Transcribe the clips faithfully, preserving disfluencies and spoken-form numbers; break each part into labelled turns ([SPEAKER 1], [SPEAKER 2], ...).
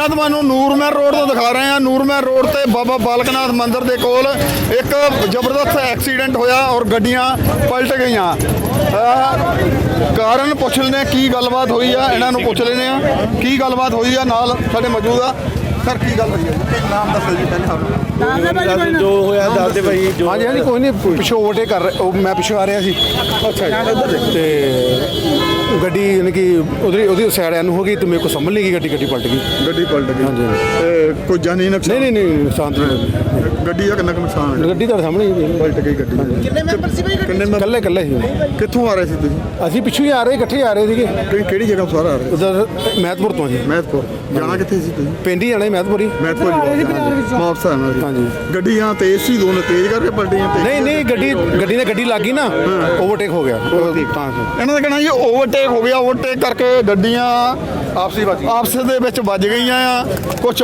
[SPEAKER 1] ਤਸਵੀਰਾਂ ਤੁਹਾਨੂੰ ਨੂਰਮਹਿਰ ਰੋਡ ਤੋਂ ਦਿਖਾ ਰਹੇ ਹਾਂ। ਨੂਰਮਹਿਰ ਰੋਡ ਤੇ ਬਾਬਾ ਬਾਲਕ ਨਾਥ ਮੰਦਿਰ ਦੇ ਕੋਲ ਇੱਕ ਜ਼ਬਰਦਸਤ ਐਕਸੀਡੈਂਟ ਹੋਇਆ ਔਰ ਗੱਡੀਆਂ ਪਲਟ ਗਈਆਂ। ਕਾਰਨ ਪੁੱਛ ਲੈਂਦੇ ਹਾਂ ਕੀ ਗੱਲਬਾਤ ਹੋਈ ਆ, ਇਹਨਾਂ ਨੂੰ ਪੁੱਛ ਲੈਂਦੇ ਹਾਂ ਕੀ ਗੱਲਬਾਤ ਹੋਈ ਆ। ਨਾਲ ਸਾਡੇ ਮੌਜੂਦ ਆ ਸਰ, ਕੀ ਗੱਲ ਹੋਈ ਹੈ? ਨਾਮ ਦੱਸੋ ਜੀ ਪਹਿਲਾਂ।
[SPEAKER 2] ਜੋ ਹੋਇਆ ਦੱਸ ਦੇ ਭਾਈ।
[SPEAKER 3] ਹਾਂਜੀ ਹਾਂਜੀ ਕੋਈ ਨਹੀਂ, ਪਿੱਛੋਂ ਓਵਰਟੇਕ ਕਰ ਰਿਹਾ, ਉਹ ਮੈਂ ਪਿੱਛੋਂ ਆ ਰਿਹਾ ਸੀ।
[SPEAKER 1] ਅੱਛਾ ਜੀ।
[SPEAKER 3] ਤੇ ਗੱਡੀ ਯਾਨੀ ਕਿ ਉਹਦੀ ਉਹਦੀ ਸਾਈਡ ਐਨ ਹੋ ਗਈ ਤੇ ਮੇਰੇ ਕੋਲ ਸੰਭਲ ਨਹੀਂ ਗਈ, ਗੱਡੀ ਗੱਡੀ ਪਲਟ ਗਈ।
[SPEAKER 1] ਗੱਡੀ ਪਲਟ ਗਈ।
[SPEAKER 3] ਹਾਂਜੀ।
[SPEAKER 1] ਤੇ ਕੋਈ ਜਾਨੀ ਨੁਕਸਾਨ?
[SPEAKER 3] ਨਹੀਂ ਨਹੀਂ ਨਹੀਂ ਨੁਕਸਾਨ ਤਾਂ ਨਹੀਂ।
[SPEAKER 1] ਗੱਡੀ ਦਾ ਕਿੰਨਾ ਕੁ ਨੁਕਸਾਨ ਹੋਇਆ?
[SPEAKER 3] ਗੱਡੀ ਤੁਹਾਡੇ ਸਾਹਮਣੇ ਹੀ ਹੈ।
[SPEAKER 1] ਪਲਟ ਗਈ ਗੱਡੀ।
[SPEAKER 2] ਕਿੰਨੇ ਮੈਂਬਰ ਸੀ ਭਾਈ?
[SPEAKER 1] ਕਿੰਨੇ ਮੈਂਬਰ?
[SPEAKER 3] ਇਕੱਲੇ ਇਕੱਲੇ ਸੀ।
[SPEAKER 1] ਕਿੱਥੋਂ ਆ ਰਹੇ ਸੀ ਤੁਸੀਂ?
[SPEAKER 3] ਅਸੀਂ ਪਿੱਛੋਂ ਹੀ ਆ ਰਹੇ, ਇਕੱਠੇ ਆ ਰਹੇ ਸੀਗੇ।
[SPEAKER 1] ਕਿ- ਕਿਹੜੀ ਜਗ੍ਹਾ ਤੋਂ ਸਾਰਾ ਆ ਰਹੇ?
[SPEAKER 3] ਉਧਰ ਮਹਿਤਪੁਰ ਤੋਂ ਜੀ।
[SPEAKER 1] ਮਹਿਤਪੁਰ ਜਾਣਾ ਕਿੱਥੇ ਸੀ ਤੁਸੀਂ?
[SPEAKER 3] ਪਿੰਡ ਹੀ ਜਾਣਾ ਮਹਿਤਪੁਰ ਹੀ।
[SPEAKER 1] ਮਹਿਤਪੁਰ ਵਾਪਸ ਆਣਾ ਸੀ।
[SPEAKER 3] ਹਾਂਜੀ।
[SPEAKER 1] ਗੱਡੀਆਂ ਤੇਜ਼ ਸੀ, ਦੋਨੋਂ ਤੇਜ਼ ਕਰਕੇ ਪਲਟੀਆਂ?
[SPEAKER 3] ਨਹੀਂ ਨਹੀਂ, ਗੱਡੀ ਗੱਡੀ ਨੇ ਗੱਡੀ ਲੱਗ ਗਈ ਨਾ, ਓਵਰਟੇਕ ਹੋ ਗਿਆ ਤਾਂ।
[SPEAKER 1] ਇਹਨਾਂ ਦਾ ਕਹਿਣਾ ਜੀ ਓਵਰਟੇਕ ਹੋ ਗਿਆ, ਓਵਰਟੇਕ ਕਰਕੇ ਗੱਡੀਆਂ
[SPEAKER 3] ਆਪਸੀ ਬਾਜੀ
[SPEAKER 1] ਆਪਸ ਦੇ ਵਿੱਚ ਵੱਜ ਗਈਆਂ ਆ। ਕੁਛ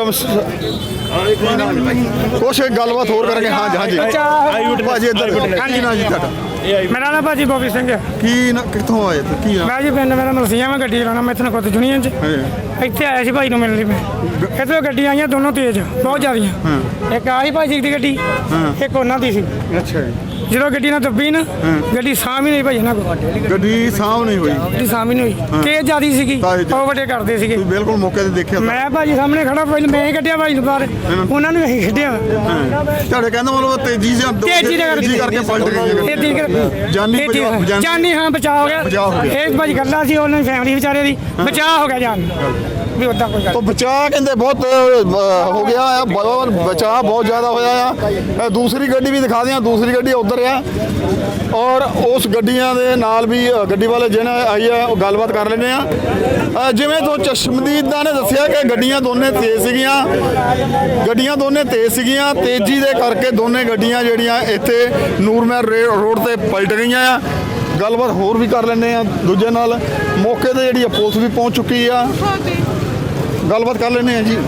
[SPEAKER 1] ਕੁਛ ਗੱਲਬਾਤ ਹੋਰ ਕਰਕੇ। ਹਾਂਜੀ ਹਾਂਜੀ ਭਾਜੀ ਇੱਧਰ ਕੀ ਨਾਂ ਜੀ ਤੁਹਾਡਾ?
[SPEAKER 4] ਮੇਰਾ ਨਾਮ ਭਾਜੀ ਬੋਬੀ ਸਿੰਘ ਹੈ।
[SPEAKER 1] ਕੀ ਨਾਂ, ਕਿੱਥੋਂ ਆਏ ਤੇ ਕੀ ਨਾਂ?
[SPEAKER 4] ਮੈਂ ਜੀ ਪਿੰਡ ਮੇਰਾ ਮਲਸੀਆਂ ਮੈਂ ਗੱਡੀ ਚਲਾਉਣਾ, ਮੈਂ ਇੱਥੇ ਨਕੋਤ ਜੁਨੀਅਨ 'ਚ ਇੱਥੇ ਆਇਆ ਸੀ ਭਾਈ ਨੂੰ ਮਿਲਣ ਲਈ। ਮੈਂ ਇੱਥੇ ਗੱਡੀਆਂ ਆਈਆਂ ਦੋਨੋਂ ਤੇਜ਼, ਬਹੁਤ ਜ਼ਿਆਦੀਆਂ। ਇੱਕ ਆਹੀ ਭਾਜੀ ਦੀ ਗੱਡੀ, ਇੱਕ ਉਹਨਾਂ ਦੀ ਸੀ।
[SPEAKER 1] ਅੱਛਾ ਜੀ।
[SPEAKER 4] ਜਦੋਂ ਗੱਡੀ ਨਾਲ ਦੱਬੀ ਨਾ, ਗੱਡੀ ਸਾਂਭ ਹੀ ਨਹੀਂ ਭਾਈ ਇਹਨਾਂ ਕੋਲ।
[SPEAKER 1] ਗੱਡੀ ਸਾਂਭ ਨਹੀਂ ਹੋਈ?
[SPEAKER 4] ਗੱਡੀ ਸਾਂਭ ਹੀ ਨਹੀਂ ਹੋਈ, ਤੇਜ਼ ਜ਼ਿਆਦੀ ਸੀਗੀ, ਓਵਰਟੇਕ ਕਰਦੇ ਸੀਗੇ।
[SPEAKER 1] ਤੁਸੀਂ ਬਿਲਕੁਲ ਮੌਕੇ ਤੇ ਦੇਖਿਆ?
[SPEAKER 4] ਮੈਂ ਭਾਜੀ ਸਾਹਮਣੇ ਖੜਾ, ਪਹਿਲਾਂ ਮੈਂ ਹੀ ਕੱਢਿਆ ਭਾਈ ਨੂੰ ਬਾਹਰ, ਉਹਨਾਂ ਨੂੰ ਅਸੀਂ ਕੱਢਿਆ।
[SPEAKER 1] ਤੁਹਾਡੇ ਕਹਿੰਦਾ ਮਤਲਬ ਤੇਜ਼ੀ ਸੀ,
[SPEAKER 4] ਤੇਜ਼ੀ
[SPEAKER 1] ਕਰਕੇ ਪਲਟ ਗਈ।
[SPEAKER 4] ਤੇਜ਼ੀ ਕਰਕੇ ਜਾਨੀ ਜਾਨੀ ਹਾਂ ਬਚਾਅ ਹੋ ਗਿਆ। ਇਹ ਭਾਜੀ ਗੱਲਾਂ ਸੀ ਉਹਨਾਂ ਦੀ ਫੈਮਿਲੀ ਵਿਚਾਰੇ ਦੀ, ਬਚਾਅ ਹੋ ਗਿਆ ਜਾਨ ਵੀ ਉਦਾਂ ਕੋਈ ਗੱਲ।
[SPEAKER 1] तो बचा कहते बहुत हो गया है, बचा बहुत ज़्यादा होया है। दूसरी गड्डी भी दिखा दें, दूसरी गड्डी उधर है और उस गड्डियां दे नाल भी गड्डी वाले जिन्हें आई है वो गलबात कर लेने आ। जिवें तो चश्मदीद ने दसिया कि गड्डियां दोने तेज़ सीगियां, गड्डियां दोने तेज़ सीगियां, तेज़ी दे करके दोने गड्डियां जिहड़ियां इत्थे ਨੂਰਮਹਿਰ रोड ते पलट गईयां आ। गलबात होर भी कर लेने आ दूजे नाल। मौके ते जिहड़ी पुलिस भी पहुंच चुकी आ, गलबात कर लेने जी।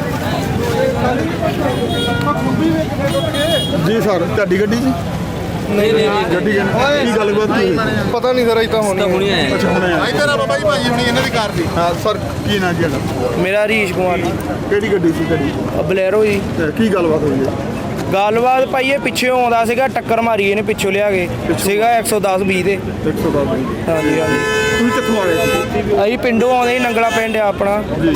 [SPEAKER 1] जी सर, ਤੁਹਾਡੀ ਗੱਡੀ ਜੀ?
[SPEAKER 2] ਨਹੀਂ ਨਹੀਂ
[SPEAKER 1] ਗੱਡੀ ਕੀ ਗੱਲਬਾਤ ਕੀ?
[SPEAKER 3] ਪਤਾ ਨਹੀਂ ਸਰ, ਇਦਾਂ ਹੋਣੀ ਹੈ।
[SPEAKER 1] ਅੱਛਾ ਹੁਣੇ ਆ ਇੱਧਰ ਆ ਬਾਬਾ ਜੀ, ਭਾਜੀ ਹੁਣੀ ਇਹਨਾਂ ਦੀ ਕਾਰ ਦੀ। ਹਾਂ ਸਰ, ਕੀ ਨਾਂ ਜੀ ਤੁਹਾਡਾ?
[SPEAKER 2] ਮੇਰਾ ਹਰੀਸ਼ ਕੁਮਾਰ ਜੀ।
[SPEAKER 1] ਕਿਹੜੀ ਗੱਡੀ ਸੀ ਤੁਹਾਡੀ?
[SPEAKER 2] ਬਲੈਰੋ ਜੀ।
[SPEAKER 1] ਤੇ ਕੀ ਗੱਲਬਾਤ ਹੋਈ ਹੈ?
[SPEAKER 2] ਗੱਲਬਾਤ ਭਾਈ ਇਹ ਪਿੱਛੋਂ ਆਉਂਦਾ ਸੀਗਾ, ਟੱਕਰ ਮਾਰੀ ਇਹਨੇ ਪਿੱਛੋਂ ਲਿਆ ਕੇ ਸੀਗਾ ਇੱਕ ਸੌ ਦਸ ਵੀਹ ਤੇ।
[SPEAKER 1] ਇੱਕ ਸੌ ਦਸ ਜੀ।
[SPEAKER 2] ਹਾਂਜੀ ਹਾਂਜੀ।
[SPEAKER 1] ਤੁਸੀਂ ਕਿੱਥੋਂ ਆ ਰਹੇ ਸੀ?
[SPEAKER 2] ਅਸੀਂ ਪਿੰਡੋਂ ਆਉਂਦੇ ਸੀ, ਨੰਗਲਾ ਪਿੰਡ ਆ ਆਪਣਾ।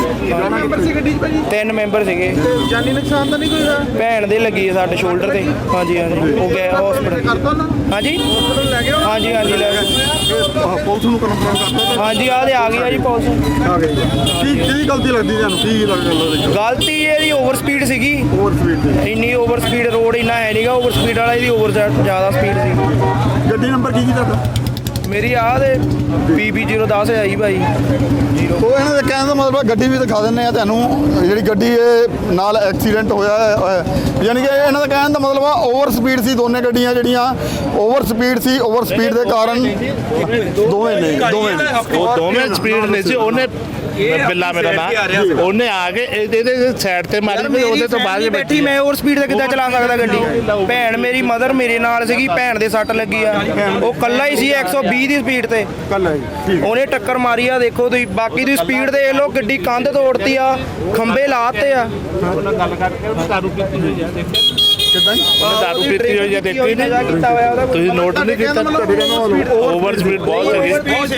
[SPEAKER 2] ਤਿੰਨ ਮੈਂਬਰ ਸੀਗੇ।
[SPEAKER 1] ਜਾਨੀ ਨੁਕਸਾਨ ਤਾਂ ਨਹੀਂ ਕੋਈ ਹੋਇਆ?
[SPEAKER 2] ਭੈਣ ਦੇ ਲੱਗੀ ਹੈ ਸਾਡੇ ਸ਼ੋਲਡਰ ਤੇ। ਹਾਂਜੀ ਹਾਂਜੀ, ਉਹ ਗਏ ਹਸਪੀਟਲ। ਹਾਂਜੀ
[SPEAKER 1] ਲੈ ਗਏ?
[SPEAKER 2] ਹਾਂਜੀ ਹਾਂਜੀ ਲੈ ਗਏ।
[SPEAKER 1] ਪੁਲਿਸ ਨੂੰ ਕਨਫਰਮ ਕਰਤਾ?
[SPEAKER 2] ਹਾਂਜੀ ਆਹ ਤੇ ਆ ਗਈ ਆ ਜੀ ਪੁਲਿਸ।
[SPEAKER 1] ਆ ਗਈ। ਕੀ ਕੀ ਗਲਤੀ ਲੱਗਦੀ ਤੁਹਾਨੂੰ? ਕੀ ਲੱਗਦਾ?
[SPEAKER 2] ਗਲਤੀ ਇਹਦੀ ਓਵਰ ਸਪੀਡ ਸੀਗੀ।
[SPEAKER 1] ਓਵਰ ਸਪੀਡ ਦੀ?
[SPEAKER 2] ਇੰਨੀ ਓਵਰ ਸਪੀਡ, ਰੋਡ ਇੰਨਾ ਹੈ ਨਹੀਂਗਾ ਓਵਰ ਸਪੀਡ ਵਾਲਾ, ਇਹਦੀ ਓਵਰ ਜ਼ਿਆਦਾ ਸਪੀਡ ਸੀ।
[SPEAKER 1] ਗੱਡੀ ਨੰਬਰ ਕੀ ਜੀ ਤੁਹਾਡਾ?
[SPEAKER 2] ਮੇਰੀ ਆਹ ਦੇ ਪੀ ਬੀ ਜ਼ੀਰੋ ਦਸ ਹੈ ਜੀ ਭਾਈ ਜ਼ੀਰੋ।
[SPEAKER 1] ਉਹ ਇਹਨਾਂ ਦੇ ਕਹਿਣ ਦਾ ਮਤਲਬ ਗੱਡੀ ਵੀ ਦਿਖਾ ਦਿੰਦੇ ਆ ਤੁਹਾਨੂੰ, ਜਿਹੜੀ ਗੱਡੀ ਇਹ ਨਾਲ ਐਕਸੀਡੈਂਟ ਹੋਇਆ ਹੈ। ਯਾਨੀ ਕਿ ਇਹਨਾਂ ਦਾ ਕਹਿਣ ਦਾ ਮਤਲਬ ਆ ਓਵਰ ਸਪੀਡ ਸੀ, ਦੋਨੇ ਗੱਡੀਆਂ ਜਿਹੜੀਆਂ ਓਵਰ ਸਪੀਡ ਸੀ। ਓਵਰ ਸਪੀਡ ਦੇ ਕਾਰਨ ਦੋਵੇਂ ਨੇ ਦੋਵੇਂ
[SPEAKER 5] ਉਹ ਦੋਵੇਂ ਸਪੀਡ ਨਹੀਂ ਸੀ। ਉਹਨੇ ਬਿੱਲਾ ਮੇਰਾ ਨਾਮ, ਉਹਨੇ ਆ ਕੇ ਇਹਦੇ ਸਾਈਡ ਤੇ ਮਾਰੀ ਤੇ ਉਹਦੇ ਤੋਂ ਬਾਅਦ
[SPEAKER 2] ਬੈਠੀ। ਮੈਂ ਓਵਰ ਸਪੀਡ ਤੇ ਕਿੱਦਾਂ ਚਲਾ ਸਕਦਾ ਗੱਡੀ? ਭੈਣ ਮੇਰੀ ਮਦਰ ਮੇਰੇ ਨਾਲ ਸੀਗੀ, ਭੈਣ ਦੇ ਸੱਟ ਲੱਗੀ ਆ। ਉਹ ਕੱਲਾ ਹੀ ਸੀ ਇੱਕ ਸੌ ਵੀਹ ਦੀ ਸਪੀਡ ਤੇ, ਉਹਨੇ ਟੱਕਰ ਮਾਰੀ ਆ। ਦੇਖੋ ਤੁਸੀਂ ਬਾਕੀ ਦੀ ਸਪੀਡ ਦੇਖ ਲਓ, ਗੱਡੀ ਕੰਧ ਤੋੜਤੀ ਆ, ਖੰਭੇ ਲਾਤੇ ਆ।
[SPEAKER 5] ਗੱਲ ਕਰਕੇ ਦਾਰੂ ਪੀਤੀ ਹੋਈ ਆ, ਦੇਖਿਆ
[SPEAKER 1] ਕਿਦਾਂ?
[SPEAKER 5] ਦਾਰੂ ਪੀਤੀ ਹੋਈ ਆ, ਦੇਖੀ ਨਹੀਂ ਤੁਸੀਂ? ਨੋਟ ਨਹੀਂ ਕੀਤਾ? ਓਵਰ ਸਪੀਡ ਬਹੁਤ ਹੈਗੀ,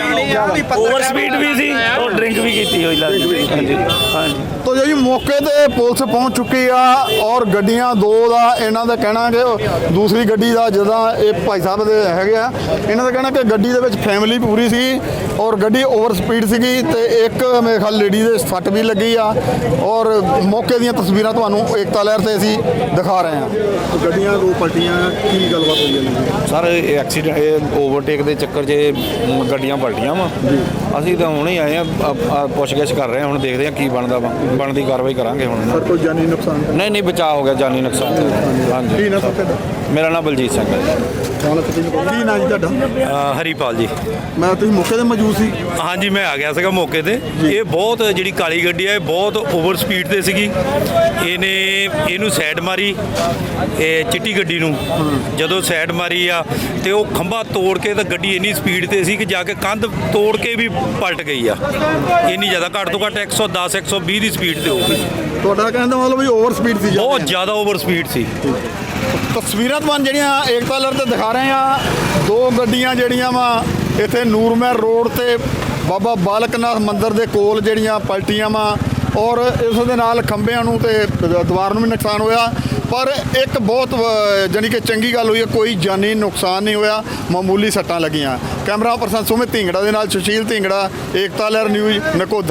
[SPEAKER 5] ਓਵਰ ਸਪੀਡ ਵੀ ਸੀ ਔਰ ਡਰਿੰਕ ਵੀ ਕੀਤੀ ਹੋਈ ਲੱਗਦੀ। ਹਾਂਜੀ ਹਾਂਜੀ।
[SPEAKER 1] ਤੋ ਜੀ ਮੌਕੇ ਤੇ ਪੁਲਿਸ ਪਹੁੰਚ ਚੁੱਕੀ ਆ ਔਰ ਗੱਡੀਆਂ ਦੋ ਦਾ ਇਹਨਾਂ ਦਾ ਕਹਿਣਾ ਕਿ ਦੂਸਰੀ ਗੱਡੀ ਦਾ ਜਦੋਂ ਇਹ ਭਾਈ ਸਾਹਿਬ ਦੇ ਹੈਗੇ ਆ, ਇਹਨਾਂ ਦਾ ਕਹਿਣਾ ਕਿ ਗੱਡੀ ਦੇ ਵਿੱਚ ਫੈਮਿਲੀ ਪੂਰੀ ਸੀ ਔਰ ਗੱਡੀ ਓਵਰ ਸਪੀਡ ਸੀਗੀ ਤੇ ਇੱਕ ਮੇਰੇ ਖਿਆਲ ਲੇਡੀ ਦੇ ਸੱਟ ਵੀ ਲੱਗੀ ਆ। ਔਰ ਮੌਕੇ ਦੀਆਂ ਤਸਵੀਰਾਂ ਤੁਹਾਨੂੰ ਏਕਤਾ ਲਹਿਰ ਤੇ ਅਸੀਂ ਦਿਖਾ ਰਹੇ ਹਾਂ। ਗੱਡੀਆਂ ਦੋ ਪਲਟੀਆਂ, ਕੀ ਗੱਲਬਾਤ ਹੋਈ ਹੈ?
[SPEAKER 6] ਸਰ ਇਹ ਐਕਸੀਡੈਂਟ, ਇਹ ਓਵਰਟੇਕ ਦੇ ਚੱਕਰ 'ਚ ਇਹ ਗੱਡੀਆਂ ਪਲਟੀਆਂ ਵਾ। ਅਸੀਂ ਤਾਂ ਹੁਣੇ ਆਏ ਆ, ਪੁੱਛਗਿੱਛ ਕਰ ਰਹੇ ਹਾਂ, ਹੁਣ ਦੇਖਦੇ ਹਾਂ ਕੀ ਬਣਦਾ ਵਾ, ਬਣਦੀ ਕਾਰਵਾਈ ਕਰਾਂਗੇ ਹੁਣ।
[SPEAKER 1] ਸਰ ਕੋਈ ਜਾਨੀ ਨੁਕਸਾਨ?
[SPEAKER 6] ਨਹੀਂ ਨਹੀਂ, ਬਚਾਅ ਹੋ ਗਿਆ, ਜਾਨੀ ਨੁਕਸਾਨ। ਹਾਂਜੀ।
[SPEAKER 1] ਕੀ ਨਾਮ ਤੁਹਾਡਾ?
[SPEAKER 6] ਮੇਰਾ ਨਾਮ ਬਲਜੀਤ ਸਿੰਘ ਹੈ ਜੀ।
[SPEAKER 1] ਕੀ ਨਾਮ ਜੀ ਤੁਹਾਡਾ?
[SPEAKER 7] ਹਰੀਪਾਲ ਜੀ।
[SPEAKER 1] ਮੈਂ ਤੁਸੀਂ ਮੌਕੇ ਤੇ ਮੌਜੂਦ ਸੀ?
[SPEAKER 7] ਹਾਂਜੀ ਮੈਂ ਆ ਗਿਆ ਸੀਗਾ ਮੌਕੇ ਤੇ। ਇਹ ਬਹੁਤ ਜਿਹੜੀ ਕਾਲੀ ਗੱਡੀ ਹੈ ਇਹ ਬਹੁਤ ਓਵਰ ਸਪੀਡ ਤੇ ਸੀਗੀ। ਇਹਨੇ ਇਹਨੂੰ ਸਾਈਡ ਮਾਰੀ, ਇਹ ਚਿੱਟੀ ਗੱਡੀ ਨੂੰ ਜਦੋਂ ਸਾਈਡ ਮਾਰੀ ਆ ਤੇ ਉਹ ਖੰਭਾ ਤੋੜ ਕੇ ਤਾਂ ਗੱਡੀ ਇੰਨੀ ਸਪੀਡ ਤੇ ਸੀ ਕਿ ਜਾ ਕੇ ਕੰਧ ਤੋੜ ਕੇ ਵੀ ਪਲਟ ਗਈ ਆ। ਇੰਨੀ ਜ਼ਿਆਦਾ, ਘੱਟ ਤੋਂ ਘੱਟ ਇੱਕ ਸੌ ਦਸ ਇੱਕ ਸੌ ਵੀਹ ਦੀ ਸਪੀਡ ਸਪੀਡ ਤੇ ਹੋ ਗਈ
[SPEAKER 1] ਤੁਹਾਡਾ ਕਹਿਣ ਦਾ ਮਤਲਬ ਵੀ ਓਵਰ ਸਪੀਡ ਸੀ
[SPEAKER 7] ਬਹੁਤ ਜ਼ਿਆਦਾ ਓਵਰ ਸਪੀਡ ਸੀ
[SPEAKER 1] ਤਸਵੀਰਾਂ ਤੁਹਾਨੂੰ ਜਿਹੜੀਆਂ ਏਕਤਾ ਲਹਿਰ ਤੇ ਦਿਖਾ ਰਹੇ ਆ ਦੋ ਗੱਡੀਆਂ ਜਿਹੜੀਆਂ ਵਾ ਇੱਥੇ ਨੂਰਮਹਿਰ ਰੋਡ ਤੇ ਬਾਬਾ ਬਾਲਕਨਾਥ ਮੰਦਿਰ ਦੇ ਕੋਲ ਜਿਹੜੀਆਂ ਪਲਟੀਆਂ ਵਾ ਔਰ ਇਸ ਦੇ ਨਾਲ ਖੰਭਿਆਂ ਨੂੰ ਤੇ ਦੀਵਾਰ ਨੂੰ ਵੀ ਨੁਕਸਾਨ ਹੋਇਆ ਪਰ ਇੱਕ ਬਹੁਤ ਅ, ਜਾਣੀ ਕਿ ਚੰਗੀ ਗੱਲ ਹੋਈ ਹੈ ਕੋਈ ਜਾਨੀ ਨੁਕਸਾਨ ਨਹੀਂ ਹੋਇਆ ਮਾਮੂਲੀ ਸੱਟਾਂ ਲੱਗੀਆਂ ਕੈਮਰਾ ਪਰਸਨ ਸੁਮਿਤ ਢਿੰਗੜਾ ਦੇ ਨਾਲ ਸੁਸ਼ੀਲ ਢਿੰਗੜਾ ਏਕਤਾ ਲਹਿਰ ਨਿਊਜ਼ ਨਕੋਦਰ।